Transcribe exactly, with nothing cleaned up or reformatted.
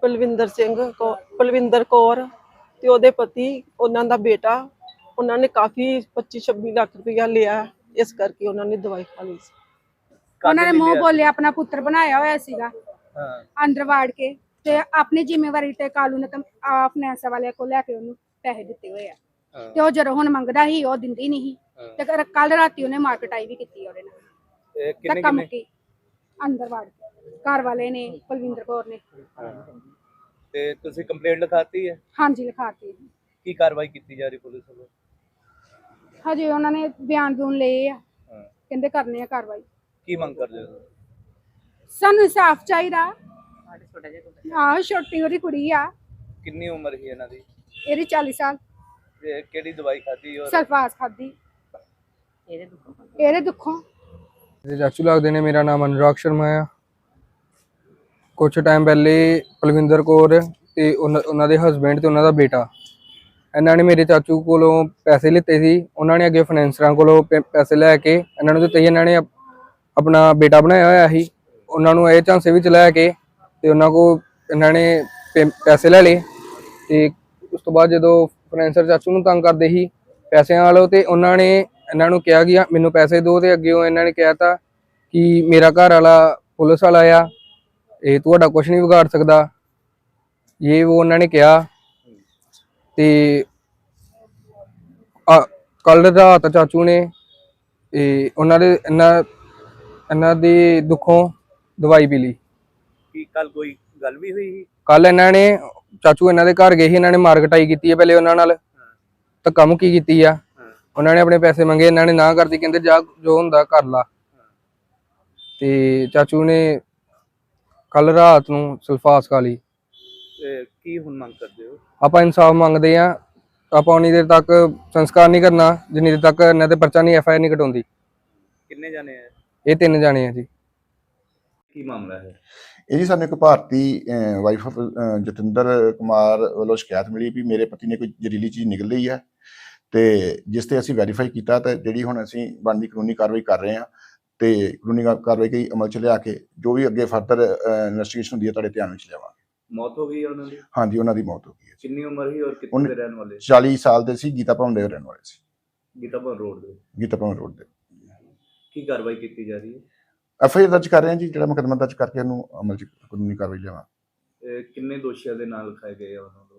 ਪਲਵਿੰਦਰ ਸਿੰਘ ਕੌ- ਪਲਵਿੰਦਰ ਕੌਰ ਤੇ ਉਹਦੇ ਪਤੀ, ਉਹਨਾਂ ਦਾ ਬੇਟਾ। ਉਹਨਾਂ ਨੇ ਕਾਫੀ ਪੱਚੀ ਛੱਬੀ ਲੱਖ ਰੁਪਇਆ ਲਿਆ, ਇਸ ਕਰਕੇ ਉਹਨਾਂ ਨੇ ਦਵਾਈ ਖਾ ਲਈ ਸੀ। ਉਹਨਾਂ ਨੇ ਮੂੰਹ ਬੋਲਿਆ ਆਪਣਾ ਪੁੱਤਰ ਬਣਾਇਆ ਹੋਇਆ ਸੀਗਾ ਹਾਂ ਅੰਦਰ ਵਾੜ ਕੇ, ਤੇ ਆਪਣੀ ਜ਼ਿੰਮੇਵਾਰੀ ਤੇ ਕਾਲੂ ਨੇ ਫਾਈਨੈਂਸ ਵਾਲਿਆਂ ਕੋਲ ਲੈ ਕੇ ਉਹਨੂੰ ਪੈਸੇ ਦਿੱਤੇ ਹੋਏ ਆ। ਹਾਂ। ਤੇ ਉਹ ਜਦੋਂ ਹੁਣ ਮੰਗਦਾ ਸੀ ਉਹ ਦਿੰਦੀ ਨਹੀਂ ਸੀ। ਹਾਂ। ਤੇ ਕੱਲ ਰਾਤੀ ਉਹਨੇ ਮਾਰਕਟਾਈ ਵੀ ਕੀਤੀ ਉਹਦੇ ਨਾਲ, ਇਹ ਕਿੰਨੇ ਧੱਕਾ ਕਿੰਨੇ ਮੁੱਕੀ ਅੰਦਰ ਵਾੜ ਕੇ। ਘਰ ਵਾਲੇ ਨੇ, ਪਲਵਿੰਦਰ ਕੌਰ ਨੇ। ਹਾਂ। ਤੇ ਤੁਸੀਂ ਕੰਪਲੇਂਟ ਲਿਖਾਤੀ ਹੈ? ਹਾਂਜੀ ਲਿਖਾਤੀ। ਕੀ ਕਾਰਵਾਈ ਕੀਤੀ ਜਾ ਰਹੀ ਪੁਲਿਸ ਵੱਲੋਂ? ਹਜੇ ਉਹਨਾਂ ਨੇ ਬਿਆਨ ਬੂਨ ਲਏ ਆ, ਹਾਂ। ਕਹਿੰਦੇ ਕਰਨੇ ਆ ਕਾਰਵਾਈ। ਕੀ ਮੰਗ ਕਰਦੇ ਹੋ? ਸਾਨੂੰ ਇਨਸਾਫ ਚਾਹੀਦਾ। ਆਹ ਛੋਟੀ ਉਹਦੀ ਕੁੜੀ ਆ, ਕਿੰਨੀ ਉਮਰ ਸੀ ਇਹਨਾਂ ਦੀ? ਇਹਦੀ ਚਾਲੀ ਸਾਲ। ਤੇ ਕਿਹੜੀ ਦਵਾਈ ਖਾਧੀ? ਔਰ ਸਲਫਾਸ ਖਾਦੀ ਇਹਦੇ ਦੁੱਖੋਂ ਇਹਦੇ ਦੁੱਖੋਂ ਮੇਰੇ ਚਾਚੂ ਲੱਗਦੇ ਨੇ। ਮੇਰਾ ਨਾਮ ਅਨੁਰਾਗ ਸ਼ਰਮਾ ਆ। ਕੁਛ ਟਾਈਮ ਪਹਿਲੇ ਪਲਵਿੰਦਰ ਕੌਰ ਤੇ ਉਹਨਾਂ ਉਹਨਾਂ ਦੇ ਹਸਬੈਂਡ ਤੇ ਉਹਨਾਂ ਦਾ ਬੇਟਾ, ਇਹਨਾਂ ਨੇ ਮੇਰੇ ਚਾਚੂ ਕੋਲੋਂ ਪੈਸੇ ਲਿੱਤੇ ਸੀ। ਉਹਨਾਂ ਨੇ ਅੱਗੇ ਫਾਈਨੈਂਸਰਾਂ ਕੋਲੋਂ ਪੈ- ਪੈਸੇ ਲੈ ਕੇ ਇਹਨਾਂ ਨੂੰ ਦਿੱਤੇ ਸੀ। ਇਹਨਾਂ ਨੇ ਆਪ- ਆਪਣਾ ਬੇਟਾ ਬਣਾਇਆ ਹੋਇਆ ਸੀ। ਉਹਨਾਂ ਨੂੰ ਇਹ ਝਾਂਸੇ ਵਿੱਚ ਲੈ ਕੇ ਤੇ ਉਹਨਾਂ ਕੋਲ ਇਹਨਾਂ ਨੇ ਪੈ- ਪੈਸੇ ਲੈ ਲਏ। ਤੇ ਉਸ ਤੋਂ ਬਾਅਦ ਜਦੋਂ ਫਾਈਨੈਂਸਰ ਚਾਚੂ ਨੂੰ ਤੰਗ ਕਰਦੇ ਸੀ ਪੈਸਿਆਂ ਵਾਲੋ, ਤੇ ਉਹਨਾਂ ਨੇ ਇਹਨਾਂ ਨੂੰ ਕਿਹਾ ਕਿ ਮੈਨੂੰ ਪੈਸੇ ਦਿਓ। ਤੇ ਅੱਗੇ ਉਹ ਇਹਨਾਂ ਨੇ ਕਿਹਾ ਤਾ ਕਿ ਮੇਰਾ ਘਰ ਵਾਲਾ ਪੁਲਿਸ ਵਾਲਾ ਆ, ਇਹ ਤੁਹਾਡਾ ਕੁਝ ਨਹੀਂ ਵਿਗਾੜ ਸਕਦਾ, ਇਹ ਉਹ ਉਹਨਾਂ ਨੇ ਕਿਹਾ। ਤੇ ਕੱਲ ਰਾਤ ਚਾਚੂ ਨੇ ਇਹ ਉਹਨਾਂ ਦੇ ਇਹਨਾਂ ਇਹਨਾਂ ਦੀ ਦੁੱਖੋਂ ਦਵਾਈ ਪੀ ਲਈ। ਕੀ ਕੱਲ ਕੋਈ ਗੱਲ ਵੀ ਹੋਈ ਸੀ? ਕੱਲ ਇਹਨਾਂ ਨੇ ਚਾਚੂ ਇਹਨਾਂ ਦੇ ਘਰ ਗਏ ਸੀ। ਇਹਨਾਂ ਨੇ ਮਾਰਕਟਾਈ ਕੀਤੀ ਹੈ ਪਹਿਲੇ ਉਹਨਾਂ ਨਾਲ, ਧੱਕਾ ਮੁੱਕੀ ਕੀਤੀ ਆ। ਉਹਨਾਂ ਨੇ ਆਪਣੇ ਪੈਸੇ ਮੰਗੇ, ਇਹਨਾਂ ਨੇ ਨਾ ਕਰਦੀ, ਕਹਿੰਦੇ ਜਾ ਜੋ ਹੁੰਦਾ ਕਰ ਲਾ। ਤੇ ਚਾਚੂ ਨੇ ਕੱਲ ਰਾਤ ਨੂੰ ਸਲਫਾਸ ਖਾ ਲਈ। ਤੇ ਕੀ ਹੁਣ ਮੰਗ ਕਰਦੇ ਹੋ? ਆਪਾਂ ਇਨਸਾਫ ਮੰਗਦੇ ਆ। ਆਪਾਂ ਉਨੀ ਦੇਰ ਤੱਕ ਸੰਸਕਾਰ ਨਹੀਂ ਕਰਨਾ ਜਿੰਨੀ ਦੇਰ ਤੱਕ ਇਹਨਾਂ ਤੇ ਪਰਚਾ ਨਹੀਂ, ਐਫ ਆਈ ਆਰ ਨਹੀਂ ਕਟਾਉਂਦੀ। ਕਿੰਨੇ ਜਾਣੇ ਆ? ਇਹ ਤਿੰਨ ਜਾਣੇ ਆ ਜੀ। ਕੀ ਮਾਮਲਾ ਹੈ ਇਹ ਜੀ? ਸਾਨੂੰ ਇੱਕ ਭਾਰਤੀ ਵਾਈਫ ਆਫ ਜਤਿੰਦਰ ਕੁਮਾਰ ਵੱਲੋਂ ਸ਼ਿਕਾਇਤ ਮਿਲੀ ਵੀ ਮੇਰੇ ਪਤੀ ਨੇ ਕੋਈ ਜ਼ਹਿਰੀਲੀ ਚੀਜ਼ ਨਿਕਲ ਲਈ ਹੈ, ਤੇ ਜਿਸ ਤੇ ਅਸੀਂ ਵੈਰੀਫਾਈ ਕੀਤਾ ਤੇ ਜਿਹੜੀ ਹੁਣ ਅਸੀਂ ਬਣਦੀ ਕਾਨੂੰਨੀ ਕਾਰਵਾਈ ਕਰ ਰਹੇ ਹਾਂ। ਤੇ ਕਾਨੂੰਨੀ ਕਾਰਵਾਈ ਕੀ ਅਮਲ ਚ ਲਿਆ ਕੇ ਜੋ ਵੀ ਅੱਗੇ ਫਰਦਰ ਇਨਵੈਸਟੀਗੇਸ਼ਨ ਹੁੰਦੀ ਹੈ ਤੁਹਾਡੇ ਧਿਆਨ ਵਿੱਚ ਲਿਆਵਾਂਗੇ। ਮੌਤ ਹੋ ਗਈ ਹੈ ਉਹਨਾਂ ਦੀ? ਹਾਂਜੀ, ਉਹਨਾਂ ਦੀ ਮੌਤ ਹੋ ਗਈ ਹੈ। ਕਿੰਨੀ ਉਮਰ ਸੀ ਔਰ ਕਿੱਥੇ ਉਹਨੇ- ਦੇ ਰਹਿਣ ਵਾਲੇ? ਚਾਲੀ ਸਾਲ ਦੇ ਸੀ, ਗੀਤਾ ਭਵਨ ਦੇ ਰਹਿਣ ਵਾਲੇ ਸੀ। ਗੀਤਾ ਭਵਨ ਰੋਡ ਦੇ? ਗੀਤਾ ਭਵਨ ਰੋਡ ਦੇ। ਕੀ ਕਾਰਵਾਈ ਕੀਤੀ ਜਾ ਰਹੀ ਹੈ? ਐਫ ਆਈ ਆਰ ਦਰਜ ਕਰ ਰਹੇ ਹਾਂ ਜੀ, ਜਿਹੜਾ ਮੁਕੱਦਮਾ ਦਰਜ ਕਰਕੇ ਉਹਨੂੰ ਅਮਲ ਚ ਕਾਨੂੰਨੀ ਕਾਰਵਾਈ ਲਿਆਵਾਂ। ਇਹ ਕਿੰਨੇ ਦੋਸ਼ੀਆਂ ਦੇ ਨਾਲ ਲਿਖਾਏ ਗਏ ਆ ਉਹਨਾਂ ਨੂੰ?